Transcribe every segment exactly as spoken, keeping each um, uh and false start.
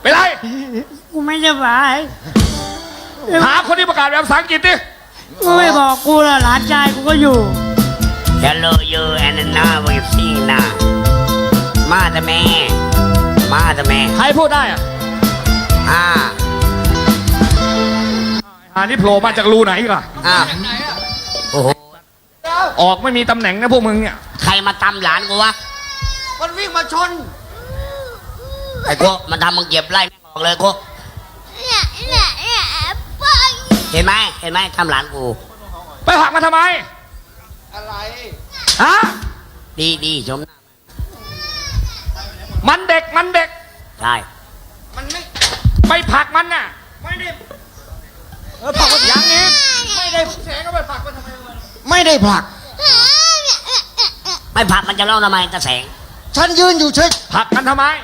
เป็นไรกูไม่สบายหาคนที่ประกาศแบบภาษาอังกฤษดิกูไม่บอกกูละหลานชายกูก็อยู่ Hello you and now we see now มาแต่แม่มาแต่แม่ใครพูดได้อ่ะอ่าอ่านี่โผล่มาจากรูไหนล่ะอ่าโอ้โหออกไม่มีตำแหน่งนะพวกมึงเนี่ยใครมาตำหลานกูวะมันวิ่งมาชนไอ้กูมันทำมึงเก็บไล่แม่งออกเลยกูเห็นไหมเห็นไหมทำหลานกูไปผลักมันทำไมอะไรฮะดีดีชมหน้ามันเด็กมันเด็กใช่มันไม่ไปผลักมันน่ะไม่ได้เออผลักมันอย่างนี้ไม่ได้แสงก็ไปผลักมันทำไมไม่ได้ผลักไม่ผักมันจะเล่าทำไมตะแสงฉันยืนอยู่เฉยผลักมันทำไม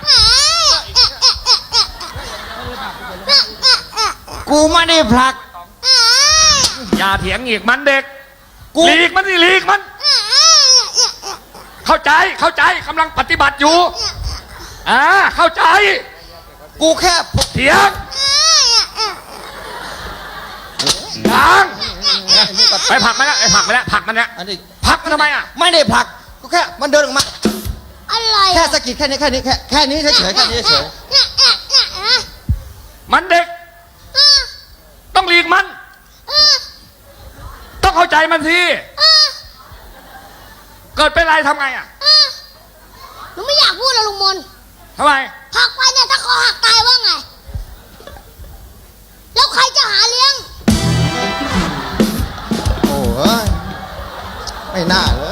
กูไม่ได้ผลักอย่าเถียงอีกมันเด็กกูหลีกมันสิหลีกมัน เข้าใจเข้าใจกำลังปฏิบัติอยู่อ่าเข้าใจกูแค่เถียงดังไปผลักมันแล้วไปผลักมันแล้วผลักมันแล้วอันนี้ผลักมันทำไมอ่ะไม่ได้ผลักกูแค่มันเดินออกมาอะไรแค่สะกิดแค่นี้แค่นี้แค่แค่นี้เฉยๆแค่นี้เฉยมันเด็ก ต้องหลีกมัน ต้องเข้าใจมันสิเกิดเป็นไรทำไงอ่ะหนูไม่อยากพูดแล้วลุงมนทำไมหักไปเนี่ยถ้าคอหักตายว่าไง แล้วใครจะหาเลี้ยงๆโอ้ยไม่น่าเลย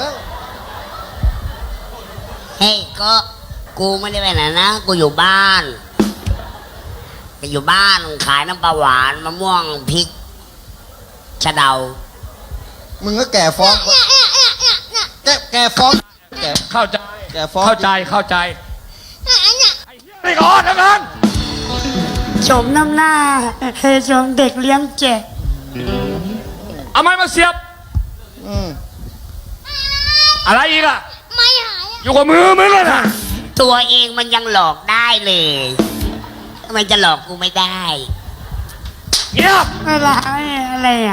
เฮ้ยก็กูไม่ได้ไปไหนนะกูอยู่บ้านกูอยู่บ้านขายน้ำปลาหวานมะม่วงพริกชะเดามึงก็แก่ฟ้องแกแก่ฟ้องแก่เข้าใจแก่ฟ้องเข้าใจเข้าใจไอ้ก่อนทั้งนั้นชมน้ำหน้าเฮชมเด็กเลี้ยงแจกเอาไม้มาเสียบอืมอะไรอีกอ่ะไม่หายอยู่กับมือมึงเลยนะตัวเองมันยังหลอกได้เลยทำไมจะหลอกกูไม่ได้เงียบอะไรอะไรอ่ะ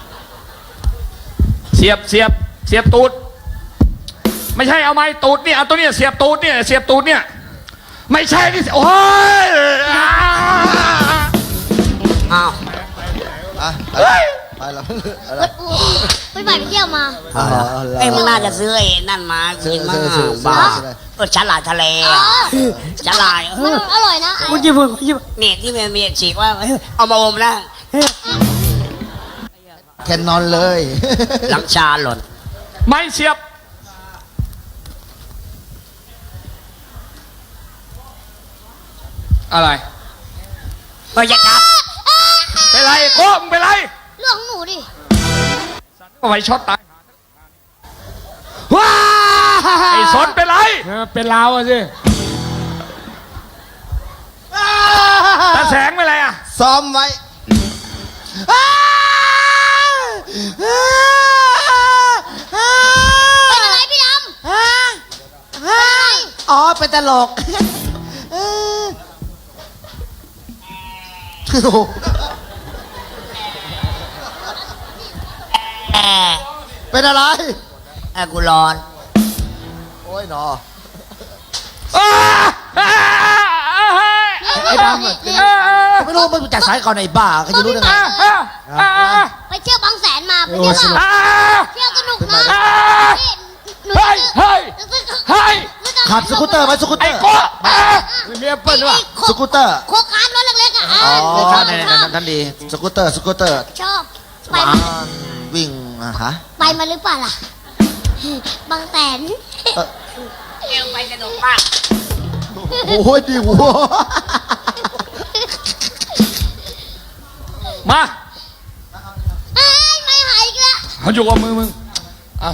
เสียบเสียบเสียบตูดไม่ใช่เอาไม้ตูดเนี่ยเอาตัวเนี้ยเสียบตูดเนี่ยเสียบตูดเนี่ยไม่ใช่นี่โอ้ยอ้าวอ่ะเฮ้ยไปแล้วอะไรไปบ่ายไปเที่ยวมาอ๋อไอ้ยมึงน่าจะซื้อไอ้นั่นมากินมากซื้อซื้อซื้อบ้าซื้อเออฉลาดทะเลอ๋อะอฉลาดเอมันออร่อยนะกูจะพูดกูจะพูดเนี่ยที่มันมีฉีกว่าเอ้ยเอามาอมนะแคนนอนเลยหลังชาหล่นไม่เสียบอะไรก็จะจับเป็นไรโก้มึงเป็นไรเรื่องของหนูดิเอาไว้ช็อตตายว้าไอ้สนเป็นไรเป็นลาวอะสิตาแสงเป็นไรอ่ะซ้อมไว้เป็นอะไรพี่ดำเป็นอะไรอ๋อเป็นตลกโอ้โหแอร์เป็นอะไรแอร์กูร้อนโอ้ยหนอไอ้ดำไม่รู้มึงจัดสายก่อนไอ้บ้าใครจะรู้ได้ไงไปเที่ยวบางแสนมาไปเที่ยวโอ้สนุกเที่ยวสนุกนะนี่หนูเฮ้ยเฮ้ยเฮ้ยขับสกูตเตอร์ไหมสกูตเตไอ้อร์โก้มีแอปเปิ้ลด้วยสกูตเตอร์โคคานรถเล็กๆอ่ะอ๋อชอบนั่นชอบนั่นนั่นดีสกูตเตอร์สกูตเตอร์ชอบไปอ่าวิ่งอ่ะฮะไปมาหรือเปล่าล่ะ บางแสนเอ่อเอวไปสนุกมากโอ้ยดีหัวมาเอ้ยไม่หายอีกแล้วเขาอยู่กับมือมึงอ่ะ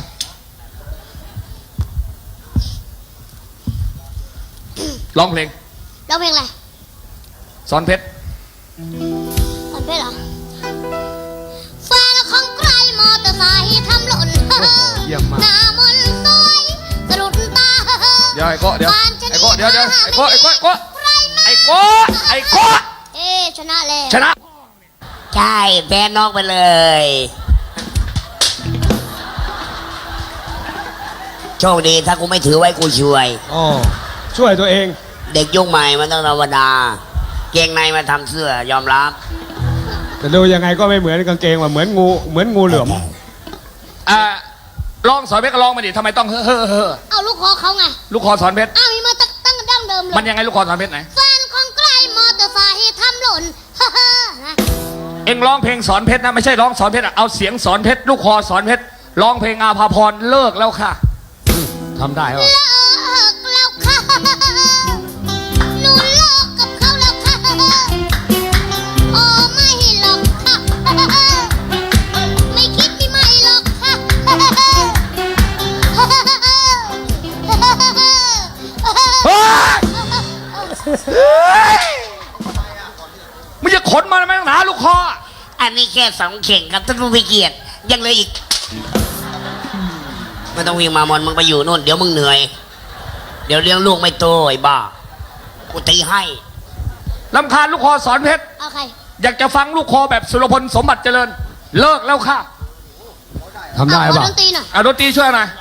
ร้องเพลงร้องเพลงอะไรสอนเพชรตอนเพลงเหรอแฟนของใครมอเตอร์ไซค์ทำหล่นเยี่ยมมากหน้ามนต์สวยสะดุดตาเดี๋ยวไอ้โก้เดี๋ยวไอ้โก้เดี๋ยวเดี๋ยวไอ้โก้ไอ้โก้ไอ้โก้ไอ้โก้ไอ้โก้เอ๊ะชนะแล้วชนะใช่แพ้นอกไปเลย โชคดีถ้ากูไม่ถือไว้กูช่วยอ๋อช่วยตัวเองเด็กยุคใหม่มันต้องธรรมดา เกงในมาทำเสื้อยอมรับแต่ดูยังไงก็ไม่เหมือนกางเกงว่ะเหมือนงูเหมือนงูเหลือมอ่าลองสอนเพชรก็ลองมาดิทำไมต้องเฮ้อเฮ้อเฮ้อเอาลูกคอเขาไงลูกคอสอนเพชรอ้าวมีมาตั้งตั้งดั้งเดิมเลยมันยังไงลูกคอสอนเพชรไหนแฟนของใครมอเตอร์ไซค์ทำหล่น ฮ่าฮ่านะเอ็งร้องเพลงสอนเพชรนะไม่ใช่ร้องสอนเพชรอะเอาเสียงสอนเพชรลูกคอสอนเพชรร้องเพลงอาภาพรเลิกแล้วค่ะทำได้เหรอเลิกแล้วค่ะหนูเลิกกับเขาแล้วค่ะโอ้ไม่หรอกค่ะไม่คิดไม่ไม่หรอกค่ะเฮ้ยเฮ้ยมึงจะขนมาทำไมตั้งหนาลูกคออันนี้แค่สองเข่งครับท่านผู้มีเกียรติยังเหลยอีกไม่ต้องวิ่งมามอนมึงไปอยู่นู่นเดี๋ยวมึงเหนื่อย เดี๋ยวเลี้ยงลูกไม่โตไอ้บ้ากูตีให้ลำคาญลูกคอสอนเพชรเอาใครอยากจะฟังลูกคอแบบสุรพลสมบัติเจริญ เลิกแล้วค่ะทำได้เอาขอเปล่าดนตรีหน่อยอ่ะดนตรีช่วยหน่อย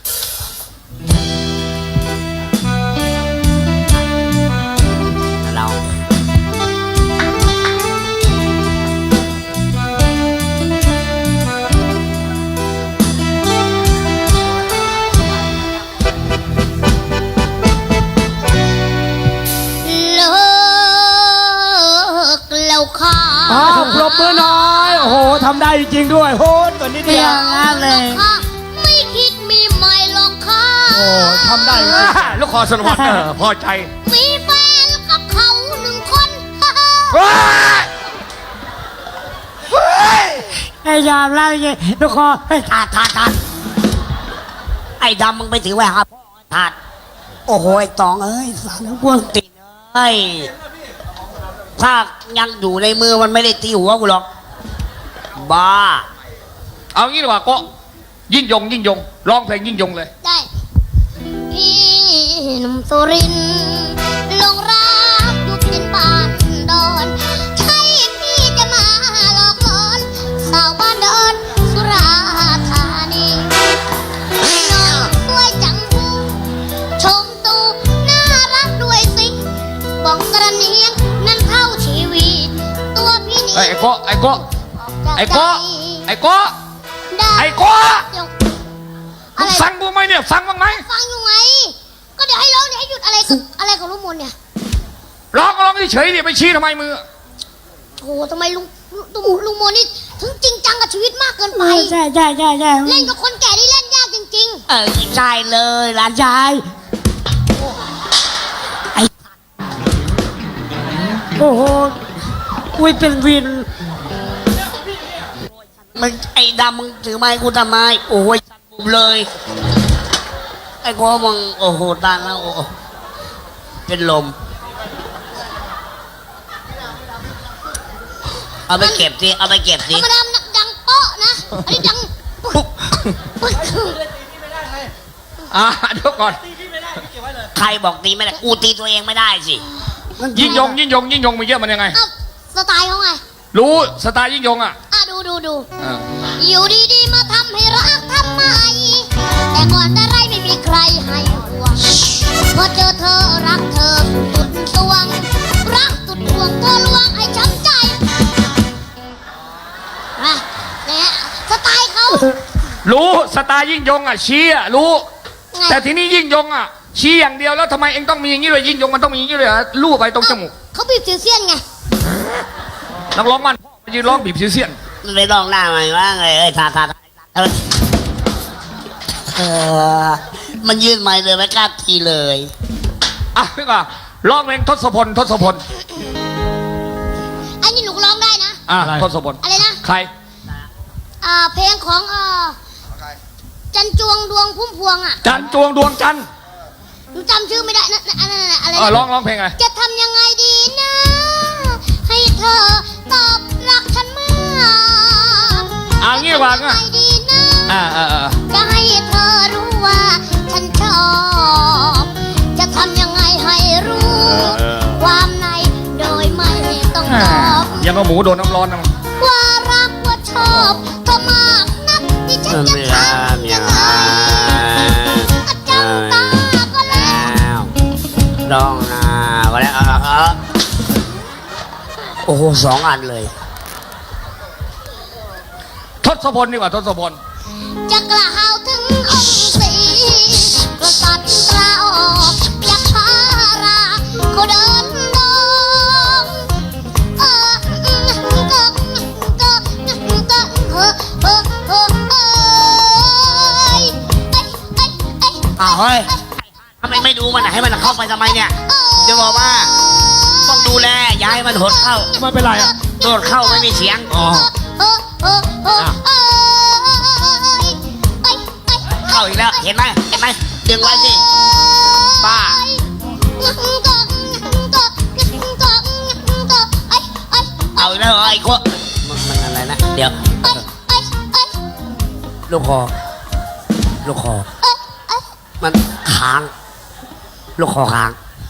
เราเลิกแล้วค่ะอ่าถูกปรบมือหน่อยโอ้โหทำได้จริงๆด้วยโหตัวนี้เดียวเลยค่ะไม่คิดมีใหม่หรอกค่ะโอ้ทำได้จริงลูกคอสุรพลเออพอใจมีแฟนกับเขาหนึ่งคนเฮ้ยเฮ้ยไอ้ยามเล่าอย่างงี้ลูกคอไอ้ถาดถาดถาดไอ้ดำมึงไปถือไว้ครับถาดโอ้โหไอ้ตองเอ้ยสารพวงติดเอ้ยถ้ายังอยู่ในมือมันไม่ได้ตีหัวกูหรอกบ้าเอางี้ดีกว่าโก็ยิ่งยงยิ่งยงร้องเพลงยิ่งยงเลยได้พี่หนุ่มสุรินทร์หลงรักอยู่เพียงบ้านดอนใช่พี่จะมาหลอกหลอนสาวบ้านดอนสุราธานีน้องสวยจังหูชมตูน่ารักด้วยสิบอกกระเนียงนั้นเข้าชีวิตตัวพี่นี่ไอ้โก็ไอ้โก็ไอ้โก็ไอ้โก็ได้ไอ้โก็เดี๋ยวมึงฟังกูไหมเนี่ยฟังบ้างไหมฟังอยู่ไง ก็เดี๋ยวให้ร้องเดี๋ยวให้หยุดอะไรกับอะไรกับลุงมนเนี่ยร้องก็ร้องเฉยๆดิไปชี้ทำไมมือโอ้โหทำไมลุงลุงลุงมนนี่ถึงจริงจังกับชีวิตมากเกินไปใช่ใช่ใช่ใช่เล่นกับคนแก่นี่เล่นยากจริงเออใช่เลยหลานชายไอ้โอ้โหอุ้ยเป็นวินมึงไอ้ดำมึงถือไม้กูทำไมโอ้ยบุบเลย ไอ้กูมึงโอ้โหตายแล้วโอ้โหเป็นลม เอาไปเก็บสิเอาไปเก็บๆธสิรรมดามันดังโป๊ะนะ อันนี้ดังปุ๊บปุ๊บอ่าเดี๋ยวก่อนใครบอกตีไม่ได้กูตีตัวเองไม่ได้สิยิ่งยงยิ่งยงยิ่งยงมีเยอะมันยังไงเอ้าสไตล์เขาไงรู้สไตล์ยิ่งยงอ่ะอ่ะดูดูดูอ่าอยู่ดีๆมาทำให้รักทำไม แต่ก่อนแต่ไรไม่มีใครให้ห่วงพอเจอเธอรักเธอสุดสวง รักสุดห่วงเธอลวงให้ช้ำใจนะเนี่ยสไตล์เขารู้สไตล์ยิ่งยงอ่ะชี้อ่ะรู้ไงแต่ทีนี้ยิ่งยงอ่ะชี้อย่างเดียวแล้วทำไมเองต้องมีอย่างนี้เลยยิ่งยงมันต้องมีอย่างนี้เลยเหรอลู่ไปตรงจมูกเขาบีบสิวเซียนไงนักร้องมันยืนร้องบีบซิวเซียนมันไปลองหน้าใหม่ว่าไงเอ้ยทาทาทาเออเออมันยื่นไม้เลยไม่กล้าทีเลยอ่ะพี่ก่าร้องเพลงทศพลทศพลอันนี้หนูร้องได้นะอ่ะทศพลอะไรนะใครอ่าเพลงของอ่าจันจวงดวงพุ่มพวงอ่ะจันจวงดวงจันทร์หนูจำชื่อไม่ได้นะนะอะไรนะอะไรเออนะร้องร้องเพลงอะไรจะทำยังไงดีนะ ให้เธอตอบรักฉันมาเอางี้ดีกว่าจะทำยังไงดีนะอ่าอ่าอ่าจะให้เธอรู้ว่าฉันชอบ จะทำยังไงให้รู้ ความในยังกับหมูโดนน้ำร้อนนะมันว่ารักว่าชอบเธอมากนักที่ฉันจะทำยังไงจ้องตาก็แล้วร้องนะก็แล้วโอ้โหสองอันเลยทศพลดีกว่าทศพลจะกล่าวถึงองค์ศรีกษัตริย์ตราออกอยากพาราเขาเดินดงเออก็ก็ก็เออเออเออเออไอ้ไอ้ไอ้อ้าวเฮ้ยทำไมไม่ดูมันให้มันเข้าไปทำไมเนี่ยจะบอกว่าต้องดูแลอย่าให้มันหดเข้าไม่เป็นไรอ่ะหดเข้าไม่มีเสียงอ๋อเออเออเออเออไอ้ไอ้เข้าอีกแล้วเห็นไหมเห็นไหมดึงไว้สิป้า เอาอีกแล้วเหรอไอ้คนมันมันอะไรนะเดี๋ยวลูกคอลูกคอมันค้างลูกคอค้าง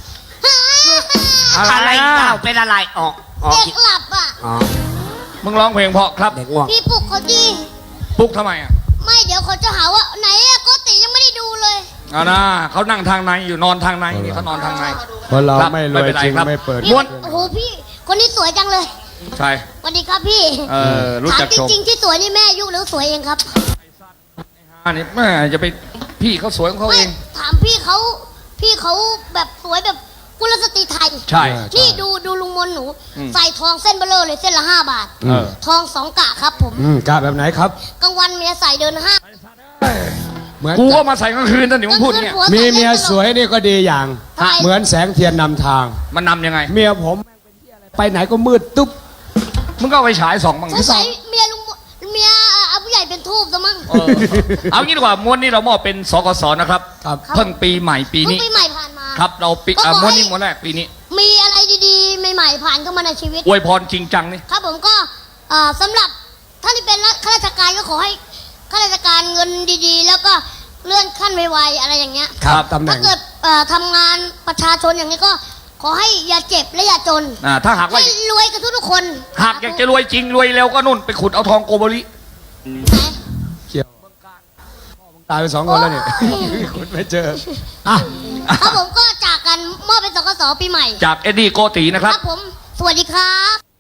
อะไรอะไรนะเต้าเป็นอะไรออกออกเด็กหลับอ่ะอ๋อมึงร้องเพลงเพราะครับเด็กง่วงพี่ปลุกเขาดีปลุกทำไมอ่ะไม่เดี๋ยวเขาจะหาว่าไหนอะโกติยังไม่ได้ดูเลยเอานะเขานั่งทางในอยู่นอนทางในนี่เขานอนทางในคนเราครับไม่รไม่วยเป็นไรจริงครับไม่เปิดพี่ม้วนโอ้โหพี่ คนนี้สวยจังเลยใช่สวัสดีครับพี่เออรู้ถามจักจชมริงๆที่สวยนี่แม่ยุหรือสวยเองครับอันนี้แม่จะไปพี่เขาสวยของเขาไม่เองถามพี่เขาพี่เขาแบบสวยแบบกุลสตรีไทยใช่นี่ดูดูลุงมนหนูอืมใส่ทองเส้นเบลเลอร์เลยเส้นละห้าบาทเออทองสองกะครับผมอืมกล้าแบบไหนครับกลางวันเมียใส่เดินห้างเหมือนกูก็มาใส่กลางคืนนั่นนี่มึงพูดเนี่ยกลางคืนผัวมีใส่เมียสวยนี่ก็ดีอย่างทำไมเหมือนแสงเทียนนำทางมันนำยังไงเมียผมไปไหนก็มืดตุ๊บมึงก็เอาไปฉายสองบ้างสงสัยเมียลุงมนเมียอาผู้ใหญ่เป็นทูบซะมั้งเออเอางี้ดีกว่าม้วนนี้เรามอบเป็นสกสนะครับครับเพิ่งปีใหม่ปีเพิ่งนี้ปีใหม่ผ่านมาครับเราปีก็อ่ะขอม้วนให้นี้ม้วนแรกปีนี้มีอะไรดีๆใหม่ๆผ่านเข้ามาในชีวิตอวยพรจริงจังนี่ครับผมก็เอ่อสำหรับท่านที่เป็นข้าราชการก็ขอให้ข้าราชการเงินดีๆ แล้วก็เลื่อนขั้นไวๆอะไรอย่างเงี้ยครับตำแหน่ถ้าง เกิดเอ่อทำงานประชาชนอย่างนี้ก็ขอให้อย่าเจ็บและอย่าจนอ่าถ้าหากว่าให้รวยกันทุกๆคนหากอยากจะรวยจริงรวยเร็วก็นู่นไปขุดเอาทองโกโบริเกี่ยวตายไปสองคนแล้วเนี่ยคุณไม่เจออ่ะครับผมก็จากกันมอบเป็นสกสปีใหม่จากเอ็ดดี้โกตีนะคครับ รับผม สวัสดีครับ